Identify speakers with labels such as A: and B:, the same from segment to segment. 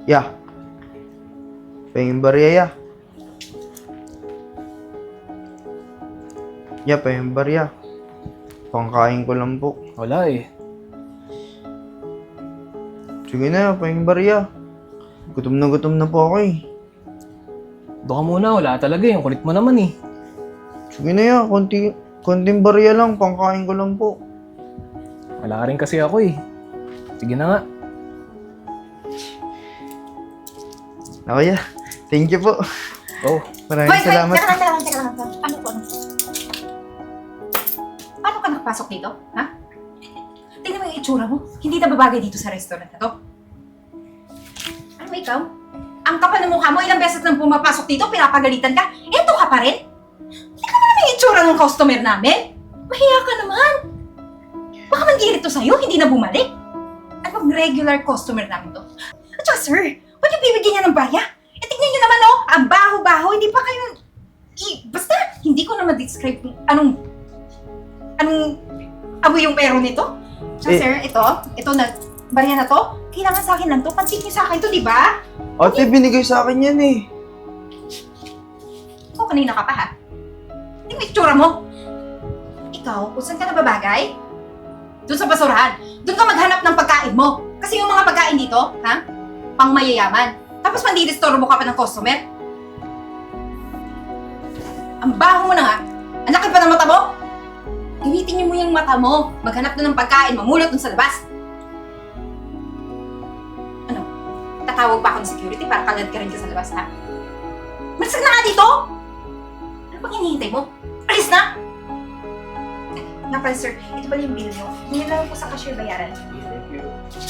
A: Ya. Pahingin barya, ya. Ya, pahingin barya. Pangkain ko lang po.
B: Wala eh.
A: Sige na, pahingin barya. Gutom na po ako eh.
B: Doon ka muna, wala talaga eh. Ang kulit mo naman eh.
A: Sige na, ya. Konting barya lang, pangkain ko lang po.
B: Wala ka rin kasi ako eh. Sige na nga.
A: Okay, ya. Thank you po.
B: Oh,
A: Maraming salamat.
C: Teka lang. Ano po? Paano ka nakapasok dito? Ha? Tingnan mo yung itsura mo. Hindi na babagay dito sa restaurant na to. Ano ba ikaw? Ang kapal ng mukha mo, ilang beses nang pumapasok dito, pinapagalitan ka. Eto ka pa rin? Tingnan mo naman yung itsura ng customer namin. Mahiya ka naman. Baka mandirit to sa'yo, hindi na bumalik. At pag regular customer namin to. At saka sir, ba't yung bibigyan niya ng barya? Eh tignan niyo naman oh, ang baho-baho, hindi pa kayo... basta, hindi ko na ma-describe kung anong amoy yung pero nito. Tsaka sir, ito na, barya na to, kailangan sa akin lang to, pansin niyo sa akin to, di ba?
A: Ate, binigay sa akin yan eh.
C: Ikaw kanina ka pa ha? Hindi mo itsura mo. Ikaw, kung saan ka nababagay? Doon sa basurahan. Doon ka maghanap ng pagkain mo. Kasi yung mga pagkain dito, ha? Pang mayayaman. Tapos mandidistorbo ka pa ng customer. Ang baho mo na nga. Ang laki pa ng mata mo. Gamitin niyo mo yung mata mo. Maghanap doon ng pagkain, mamulot doon sa labas. Ano? Tatawag pa ako ng security para kalad ka rin ka sa labas, ha? Malis ka na nga dito! Ano bang hinihintay mo? Alis na! Nga pala, sir, ito pala yung bill nyo. Hindi lang po sa cashier bayaran.
A: Thank you.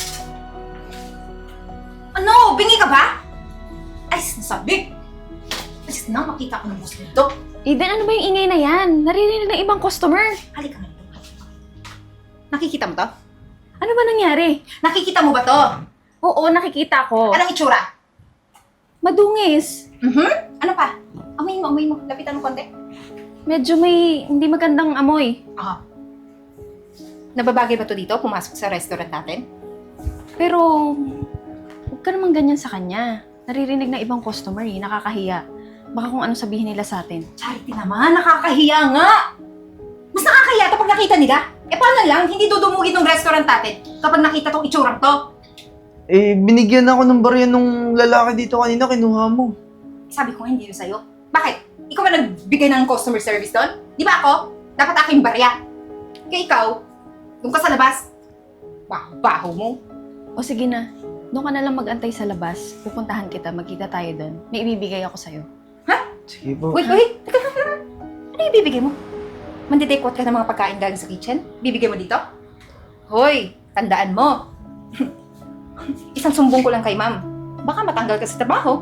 C: Ano? Bingi ka ba? Alis na sabi! Alis na, makita ko ng boss dito.
D: Eden, ano ba yung ingay na yan? Naririnig ng ibang customer.
C: Halika nga dito. Nakikita mo to?
D: Ano ba nangyari?
C: Nakikita mo ba to?
D: Oo, nakikita ko.
C: Anong itsura?
D: Madungis.
C: Ano pa? Amoy mo. Lapitan mo konti.
D: Medyo may hindi magandang amoy.
C: Aha. Nababagay ba to dito? Pumasok sa restaurant natin?
D: Pero, huwag ka naman ganyan sa kanya. Naririnig na ibang customer eh, nakakahiya. Baka kung ano sabihin nila sa atin.
C: Charity naman, nakakahiya nga! Mas nakakahiya to pag nakita nila. Eh paano lang, hindi dudumugin ng restaurant natin kapag nakita tong itsurang to.
A: Eh, binigyan ako ng barya nung lalaki dito kanina, kinuha mo.
C: Sabi ko nga hindi yun sa'yo. Bakit? Ikaw ba nagbigay ng customer service doon? Di ba ako? Dapat aking barya. Kaya ikaw, doon ka sa labas. Baho mo.
D: O sige na, doon ka na lang mag-antay sa labas. Pupuntahan kita, magkita tayo doon. May ibibigay ako sa'yo.
A: Sige po.
C: Wait. Teka. Ano yung bibigay mo? Mandidekot ka ng mga pagkain galing sa kitchen? Bibigay mo dito? Hoy, tandaan mo. Isang sumbong ko lang kay ma'am. Baka matanggal ka sa trabaho.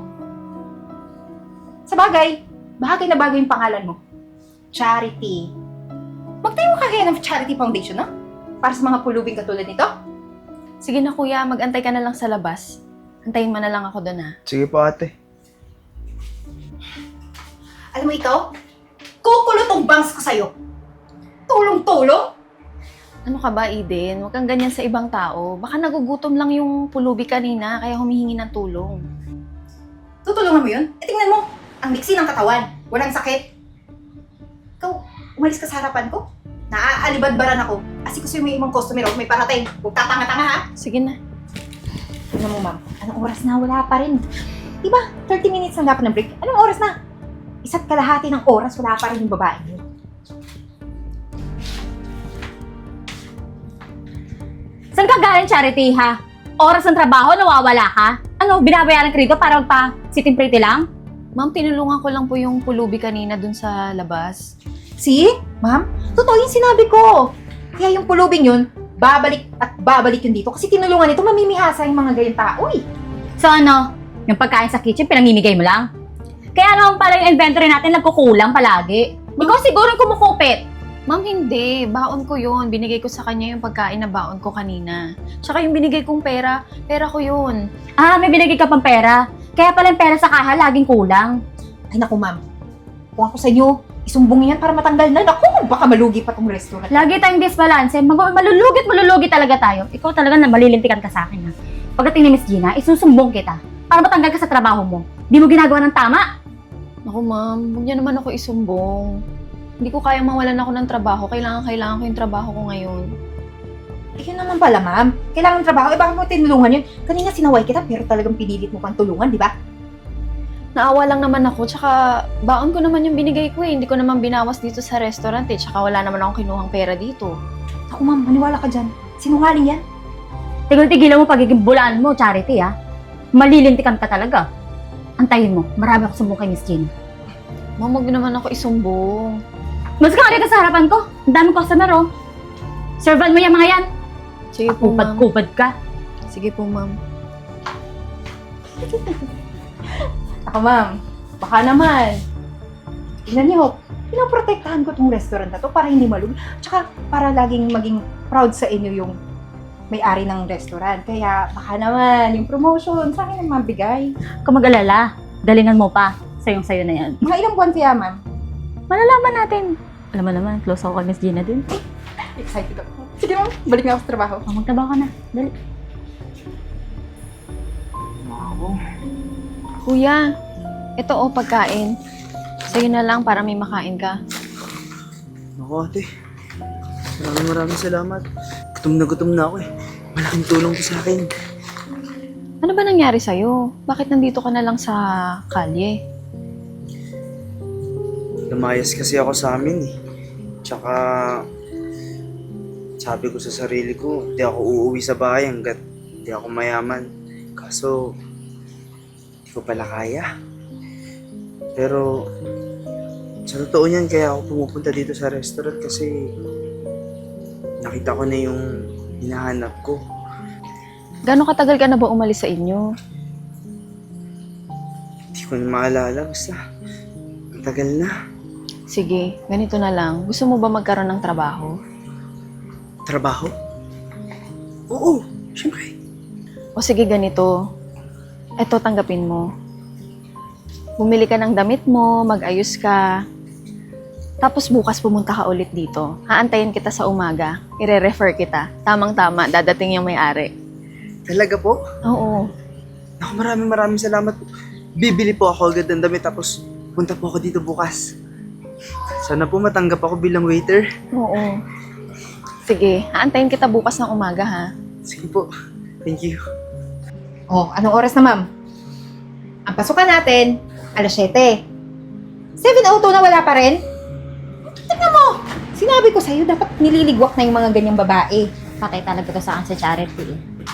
C: Sa bagay na bagay yung pangalan mo. Charity. Magtayo ka kaya ng Charity Foundation, no? Para sa mga pulubing katulad nito?
D: Sige na kuya, mag-antay ka na lang sa labas. Antayin mo na lang ako doon ha.
A: Sige po, ate.
C: Alam mo ikaw, kukulot ang bangs ko sa'yo. Tulong-tulong?
D: Ano ka ba, Eden? Huwag kang ganyan sa ibang tao. Baka nagugutom lang yung pulubi kanina, kaya humihingi ng tulong.
C: Tutulungan mo yun? Eh tingnan mo, ang liksi ng katawan, walang sakit. Ikaw, umalis ka sa harapan ko. Naaalibadbaran ako. Kasi mo yung ibang customer ako, may parating. Huwag tatanga-tanga ha.
D: Sige na.
C: Ano mo ma'am, anong oras na? Wala pa rin. Diba, 30 minutes na dapat ng break. Anong oras na? Isa't kalahati ng oras, wala pa rin yung babae niyo.
E: Saan ka galing, Charity, ha? Oras ng trabaho, nawawala ka? Ano, binabayaran ka rito para magpa-sitting pretty lang?
D: Ma'am, tinulungan ko lang po yung pulubi kanina dun sa labas.
C: See? Ma'am, totoo yung sinabi ko. Kaya yung pulubing yun, babalik at babalik yun dito. Kasi tinulungan ito, mamimihasa yung mga gayong tao eh.
E: So ano, yung pagkain sa kitchen, pinamimigay mo lang? Kaya naman pala yung inventory natin nagkukulang palagi. Ikaw siguro yung kumukupit.
D: Ma'am, hindi. Baon ko yun. Binigay ko sa kanya yung pagkain na baon ko kanina. Tsaka yung binigay kong pera ko yun.
E: Ah, may binigay ka pang pera. Kaya pala yung pera sa kaha laging kulang.
C: Ay naku ma'am, kung ako sa inyo, isumbong yan para matanggal na. Naku, baka malugi pa tong restaurant.
E: Lagi tayong disbalance. Malulugi talaga tayo. Ikaw talaga na malilintikan ka sa akin, ha? Pagdating ni Miss Gina, isusumbong kita. para matanggal ka sa trabaho mo. Di mo ginagawa ng tama.
D: Naku ma'am, huwag niyo naman ako isumbong. Hindi ko kayang mawalan ako ng trabaho. Kailangan ko yung trabaho ko ngayon.
C: Eh, yun naman pala, ma'am. Kailangan ng trabaho. Eh, bakit mo tinulungan yun? Kanina sinaway kita, pero talagang pinilit mo pang tulungan, di ba?
D: Naawa lang naman ako, tsaka baon ko naman yung binigay ko eh. Hindi ko naman binawas dito sa restaurant eh. Tsaka wala naman akong kinuhang pera dito.
C: Ako, ma'am, maniwala ka dyan. Sinungaling yan.
E: Tigil-tigilan mo pagiging bulaan mo, Charity, ha? Malilintikan ka talaga. Antayin mo, marami ako sumbong kay Miss Gina.
D: Ma'am, huwag naman ako isumbong.
E: Mas ka nga dito sa harapan ko. Ang daming customer, oh. Servan mo yung mga yan.
D: Sige po, ma'am.
E: Kupad-kupad ka.
D: Sige po, ma'am.
C: Ako, ma'am, baka naman. Tingnan niyo, pinoprotektahan ko tong restaurant na to para hindi malugi. Tsaka para laging maging proud sa inyo yung may-ari ng restaurant. Kaya baka naman yung promotion sa akin ang mabigay.
E: Kung mag-alala, galingan mo pa. Sayong-sayo na yan.
C: Mga ilang buwan kaya, ma'am?
E: Malalaman natin. Alam mo naman, close ako kay Miss Gina din.
C: Excited ako. Sige, ma'am, balik na ako sa trabaho.
E: Oh, magtrabaho ka na. Dali.
D: Kuya, ito o pagkain. Sa'yo na lang para may makain ka.
A: Naku ate, maraming salamat. Gutom na ako eh. Malaking tulong ko sa akin.
D: Ano ba nangyari sa'yo? Bakit nandito ka na lang sa kalye?
A: Lumayas kasi ako sa amin eh. Tsaka, sabi ko sa sarili ko, hindi ako uuwi sa bahay hanggat hindi ako mayaman. Kaso, hindi ko pala kaya. Pero, sa totoo niyan, kaya ako pumupunta dito sa restaurant kasi nakita ko na yung hinahanap ko.
D: Gano'ng katagal ka na ba umalis sa inyo?
A: Hindi ko na maalala, basta ang tagal na.
D: Sige, ganito na lang. Gusto mo ba magkaroon ng trabaho?
A: Trabaho? Oo, syempre.
D: O sige, ganito. Eto, tanggapin mo. Bumili ka ng damit mo, mag-ayos ka. Tapos bukas pumunta ka ulit dito. Haantayin kita sa umaga. Ire-refer kita. Tamang-tama, dadating yung may-ari.
A: Talaga po?
D: Oo.
A: Naku, maraming salamat po. Bibili po ako agad ng damit tapos punta po ako dito bukas. Sana po matanggap ako bilang waiter.
D: Oo. Sige, haantayin kita bukas ng umaga, ha?
A: Sige po. Thank you.
C: Oh, anong oras na, ma'am? Ang pasukan natin, alas 7. 7:02 na wala pa rin? Tignan mo! Sinabi ko sa'yo, dapat nililigwak na yung mga ganyang babae.
E: Patay talaga to sa akin sa Charity.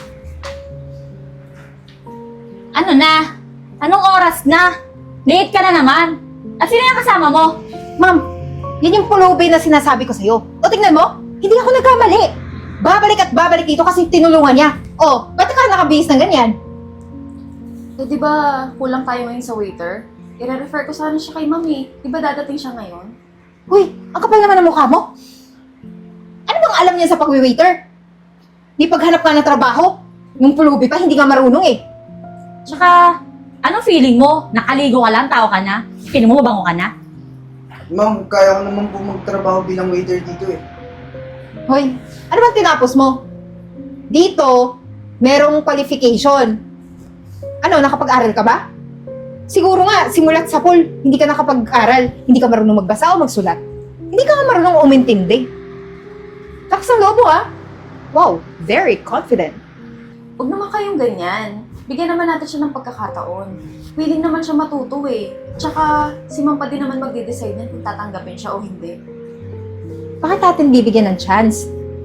E: Ano na? Anong oras na? Late ka na naman. At sino yung kasama mo?
C: Ma'am, yan yung pulubi na sinasabi ko sa'yo. O, tingnan mo, hindi ako nagkamali. Babalik at babalik dito kasi tinulungan niya. O, ba't ka nakabihis ng ganyan?
D: Eh, di ba kulang tayo ngayon sa waiter? I-refer ko sana siya kay mami. Di ba dadating siya ngayon?
C: Uy, ang kapal naman ng mukha mo. Ano bang alam niya sa pag-waiter? Di paghanap ka ng trabaho. Nung pulubi pa, hindi ka marunong eh.
E: Tsaka, anong feeling mo? Nakaligo ka lang, tao ka na? Feeling mo mabango ka na?
A: Ma'am, kaya ko naman po magtrabaho bilang waiter dito eh.
C: Hoy, ano bang tinapos mo? Dito, merong qualification. Ano, nakapag-aral ka ba? Siguro nga, simulat sa pool, hindi ka nakapag-aral. Hindi ka marunong magbasa o magsulat. Hindi ka nga marunong umintindi. Lakas ng lobo ah. Wow, very confident.
D: Huwag naman kayong ganyan. Bigyan naman natin siya ng pagkakataon. Willing naman siya matuto eh. Tsaka, si Ma'am pa din naman magde-decide na kung tatanggapin siya o hindi.
C: Bakit natin bibigyan ng chance?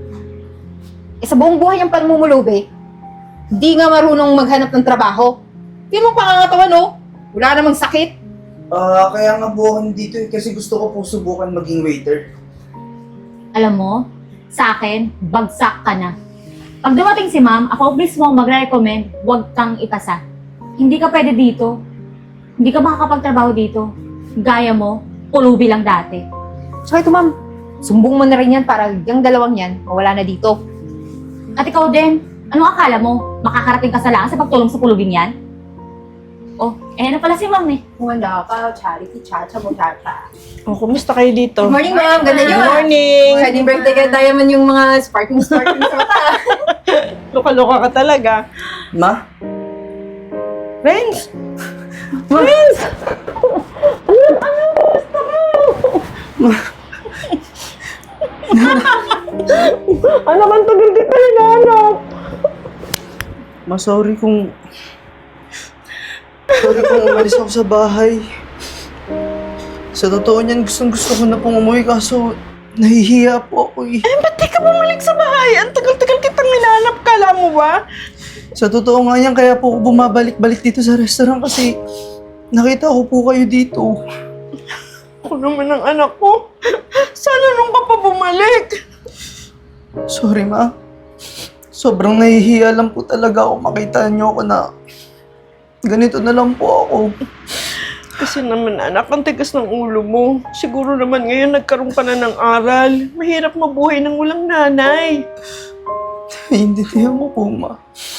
C: Eh sa buong buhay ang panmumulubi, hindi nga marunong maghanap ng trabaho. Hindi mo pangangatawan no? Wala namang sakit.
A: Kaya nga po ako dito eh, kasi gusto ko po subukan maging waiter.
E: Alam mo, sa akin, bagsak ka na. Pag dumating si ma'am, ako mismo magre-recommend, huwag kang ipasa. Hindi ka pwede dito. Hindi ka makakapagtrabaho dito. Gaya mo, pulubi lang dati.
C: So ito ma'am, sumbong mo na rin yan para yung dalawang yan mawala na dito.
E: At ikaw din, anong akala mo? Makakarating ka sa laan sa pagtulong sa pulubing yan? Oh, ano pala si ma'am eh.
C: Wala ka, Charity, chacha mo, chacha.
F: Oh, kumusta kayo dito?
C: Good morning ma'am, ganda nyo.
F: Good morning!
C: Wedding birthday kay Diamond yung mga sparkling sa mata.
F: Luka-luka ka talaga.
A: Ma?
F: Renz! Renz! Anak, ang tagal kita hinahanap.
A: Sorry kung umalis ako sa bahay. Sa totoo niyan, gusto ko na pong umuwi kaso nahihiya po ako eh.
F: Ba't di ka bumalik sa bahay? Ang tagal-tagal kitang hinahanap, kala mo ba?
A: Sa totoo nga yan, kaya po ako bumabalik-balik dito sa restaurant kasi nakita ko po kayo dito.
F: Ako naman ang anak ko. Sana nung ka pa bumalik.
A: Sorry ma. Sobrang nahihiya lang po talaga ako makita niyo ako na ganito na lang po ako.
F: Kasi naman anak, ang tigas ng ulo mo. Siguro naman ngayon nagkaroon ka na ng aral. Mahirap mabuhay ng walang nanay.
A: Naiintindihan mo po ma.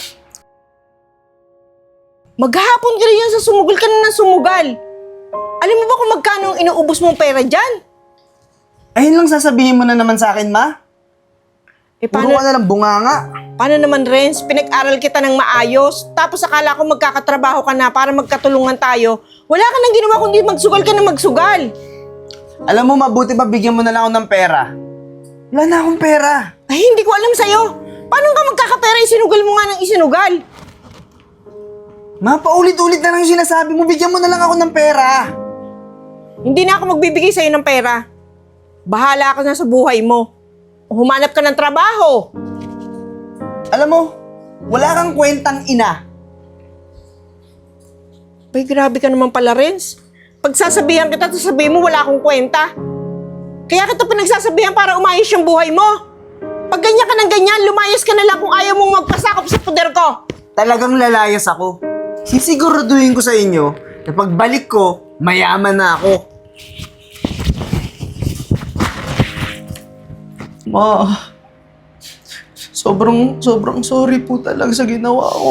F: Maghahapon ka rin yan sa sumugal ka na ng sumugal. Alam mo ba kung magkano ang inuubos mong pera dyan?
A: Ayun lang sasabihin mo na naman sa akin ma.
F: Paano,
A: Puro ka na lang bunganga.
F: paano naman, Renz? Pinag-aral kita ng maayos. Tapos akala ko magkakatrabaho ka na para magkatulungan tayo. Wala ka nang ginawa kundi magsugal ka na magsugal.
A: Alam mo, mabuti pa bigyan mo na lang ako ng pera. Wala na akong pera.
F: Ay, hindi ko alam sa'yo. Paano ka magkakapera? Isinugal mo nga ng isinugal.
A: Ma, paulit-ulit na lang yung sinasabi mo. Bigyan mo na lang ako ng pera.
F: Hindi na ako magbibigay sa'yo ng pera. Bahala ka na sa buhay mo. Humanap ka ng trabaho.
A: Alam mo, wala kang kwentang ina.
F: Bay, grabe ka naman pala, Renz. Pagsasabihan kita, sasabihin mo wala akong kwenta. Kaya kita pinagsasabihan para umayos yung buhay mo. Pag ganyan ka ng ganyan, lumayas ka na lang kung ayaw mong magpasakop sa poder ko.
A: Talagang lalayas ako. Sisiguraduhin ko sa inyo na pagbalik ko, mayaman na ako. Ma, sobrang sorry po talaga sa ginawa ko.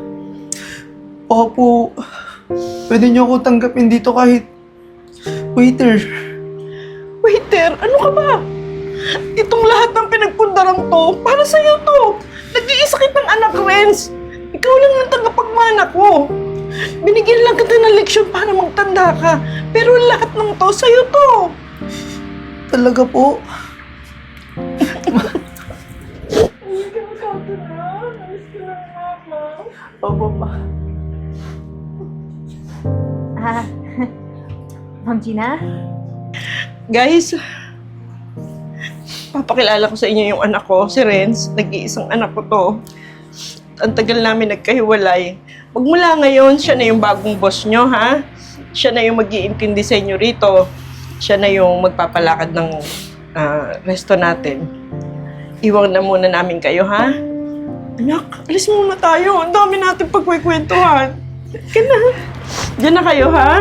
A: Opo, pwede niyo ako tanggapin dito kahit waiter.
F: Waiter, ano ka ba? Itong lahat ng pinagpundarang to, para sa'yo to. Nag-iisa kitang anak, Renz. Ikaw lang ang tagapagmana ko. Binigyan lang kita ng leksyon para magtanda ka. Pero lahat ng to, sa'yo to.
A: Talaga po. Opo pa.
D: Ma'am Gina?
F: Guys, papakilala ko sa inyo yung anak ko, si Renz. Nag-iisang anak ko to. Ang tagal namin nagkahiwalay. Magmula ngayon, siya na yung bagong boss nyo, ha? Siya na yung mag-iintindi sa inyo rito. Siya na yung magpapalakad ng resto natin. Iwan na muna namin kayo, ha? Anak, alis muna tayo. Ang dami natin pagkwekwentuhan. Ka na. Diyan na kayo, ha?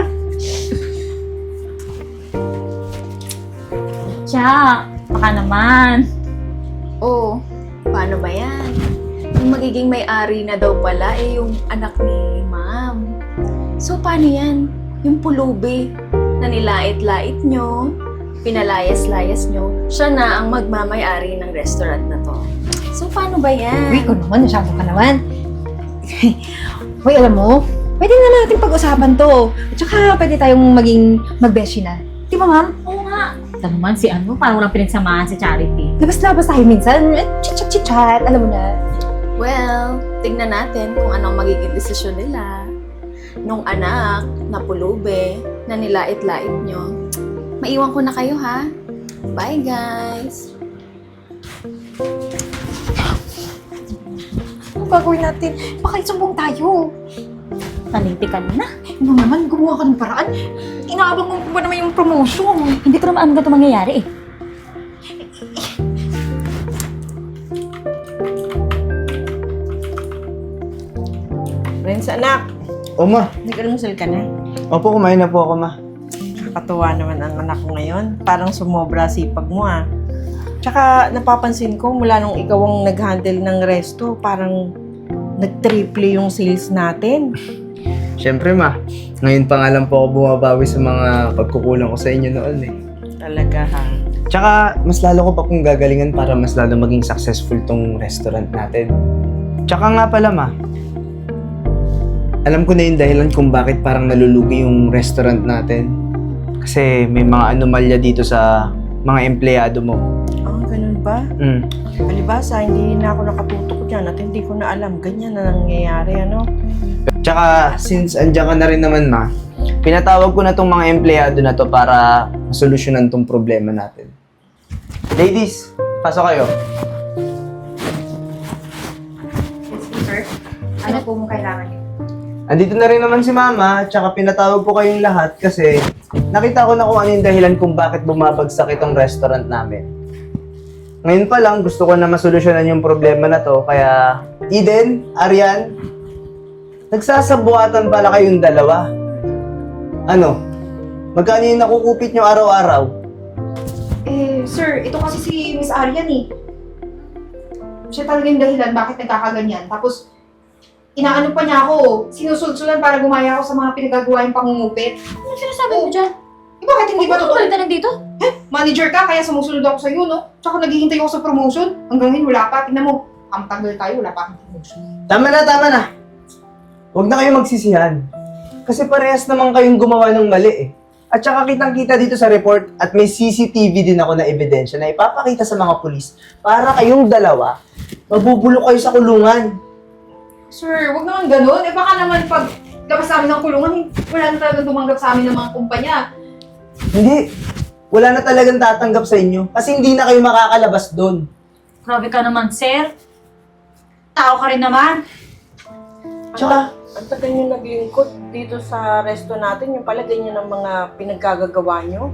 E: Tiyak, baka naman.
D: Oh, paano ba yan? Yung magiging may-ari na daw pala yung anak ni Ma'am. So, paano yan? Yung pulubi na nilait-lait nyo, pinalayas-layas nyo, siya na ang magmamay-ari ng restaurant na to. So, paano ba yan?
C: Uy, ikaw naman, nasyado ka naman. Uy, alam mo, pwede na natin pag-usapan to. At saka, pwede tayong maging magbeshi na. Di ba, ma'am?
E: Oo nga. Ito naman si ano, parang walang pinagsamahan si Charity.
C: Labas-labas tayo minsan. Chit-chat-chit-chat. Alam mo na.
D: Well, tignan natin kung anong magiging desisyon nila. Nung anak na pulubi na nilait-lait nyo. Maiwan ko na kayo, ha? Bye, guys!
C: Ano gagawin natin? Baka isumbong tayo.
E: Taliti ka na.
C: Ano naman, gumawa ka ng paraan. Inaabang mo ba naman yung promotion?
E: Hindi ko naman alam ganito mangyayari eh.
F: Renz, anak.
A: O ma,
F: Nag-almusal ka na?
A: opo, kumain na po ako ma.
F: Nakakatuwa naman ang anak ko ngayon. Parang sumobra sipag mo, ah. Tsaka napapansin ko mula nung ikaw ang nag-handle ng resto, parang nag-triple yung sales natin.
A: Siyempre ma, ngayon pa nga lang po ako bumabawi sa mga pagkukulang ko sa inyo noon eh.
F: Talaga, ha?
A: Tsaka, mas lalo ko pa pong gagalingan para mas lalo maging successful tong restaurant natin. Tsaka nga pala ma, alam ko na yung dahilan kung bakit parang nalulugi yung restaurant natin. Kasi may mga anomalya dito sa mga empleyado mo.
F: Ah, ganun ba? Palibasa, hindi na ako nakatutok dyan at hindi ko na alam. Ganyan na nangyayari, ano?
A: Tsaka, since andyan ka na rin naman, ma, pinatawag ko na tong mga empleyado na to para masolusyonan tong problema natin. Ladies, pasok kayo.
C: Yes, sir. Ano po mo kailangan niyo?
A: Andito na rin naman si Mama, tsaka pinatawag ko kayong lahat kasi nakita ko na kung ano yung dahilan kung bakit bumabagsak itong restaurant namin. Ngayon pa lang, gusto ko na masolusyonan yung problema na to, kaya Eden, Arian, nagsasabuatan pala kayong dalawa. Ano? Magkano yung nakukupit nyo araw-araw?
C: Sir, ito kasi si Miss Arian eh. Siya talaga yung dahilan bakit nagkakaganyan. Tapos, inaano pa niya ako, sinusulsulan para gumaya ako sa mga pinagagawa yung pangungupit.
E: Ano sinasabi mo dyan?
C: Eh, bakit hindi ba
E: Bakit
C: totoo?
E: ka nandito?
C: Manager ka, kaya sumusunod ako sa'yo, no? Tsaka naghihintay ako sa promotion. Hanggang ngayon, wala pa. Tingnan mo, ang tagal tayo, wala pa akong promotion.
A: Tama na. Huwag na kayo magsisihan. Kasi parehas naman kayong gumawa ng mali eh. At saka kitang-kita dito sa report at may CCTV din ako na ebidensya na ipapakita sa mga pulis para kayong dalawa mabubulok kayo sa kulungan.
C: Sir, wag naman ganun. Eh baka naman pag labas namin ng kulungan, wala na talagang tumanggap sa amin ng mga kumpanya.
A: Hindi. Wala na talagang tatanggap sa inyo kasi hindi na kayo makakalabas doon.
E: Grabe ka naman, sir. Tao ka rin naman.
A: Tsaka,
F: Ang tagal nyo naglingkod dito sa resto natin, yung pala ganyan ang mga pinagkagagawa nyo.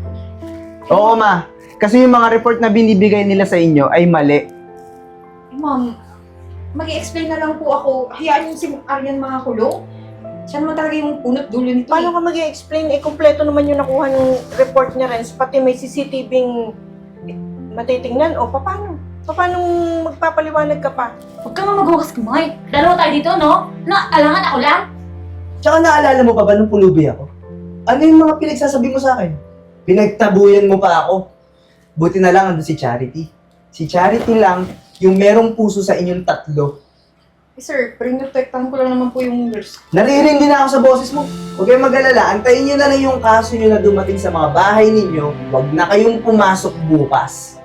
A: oo ma. Kasi yung mga report na binibigay nila sa inyo ay mali.
C: Eh ma'am, mag-i-explain na lang po ako. Hayaan yung si Arian mga kulong. Siya naman talaga yung punot dulo nito
F: Paano ka mag-explain? Eh, kompleto naman yung nakuha ng report niya, Renz. Pati may CCTV-ng matitingnan. O, paano? Paano magpapaliwanag ka pa?
E: Huwag ka maghugas kamay. Dalawa tayo dito, no? Na, alangan ako lang.
A: Tsaka naalala mo pa ba nung pulubi ako? Ano yung mga pinagsasabi mo sa akin? Pinagtabuyan mo pa ako. Buti na lang andun si Charity. Si Charity lang yung merong puso sa inyong tatlo.
C: Eh sir, pinotektahan ko lang naman po yung nurse.
A: Naririndi na ako sa boses mo. Huwag kayong mag-alala. Antayin nyo na lang yung kaso nyo na dumating sa mga bahay ninyo. Huwag na kayong pumasok bukas.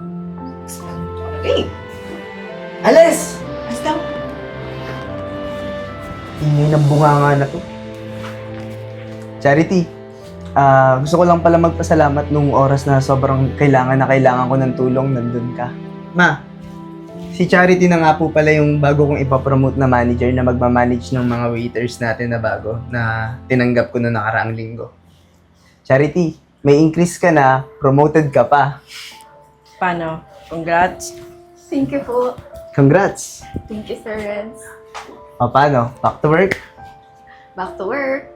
C: Eh,
A: Alis!
C: basta.
A: Ingay ng bunganga na to. Charity, gusto ko lang pala magpasalamat nung oras na sobrang kailangan ko ng tulong, nandun ka. Ma, si Charity na nga po pala yung bago kong ipapromote na manager na magmamanage ng mga waiters natin na bago na tinanggap ko noong nakaraang linggo. Charity, may increase ka na, promoted ka pa.
F: Paano? Congrats.
D: Thank you po.
A: Congrats!
D: Thank you, Sir Renz.
A: O paano? Back to work?
D: Back to work.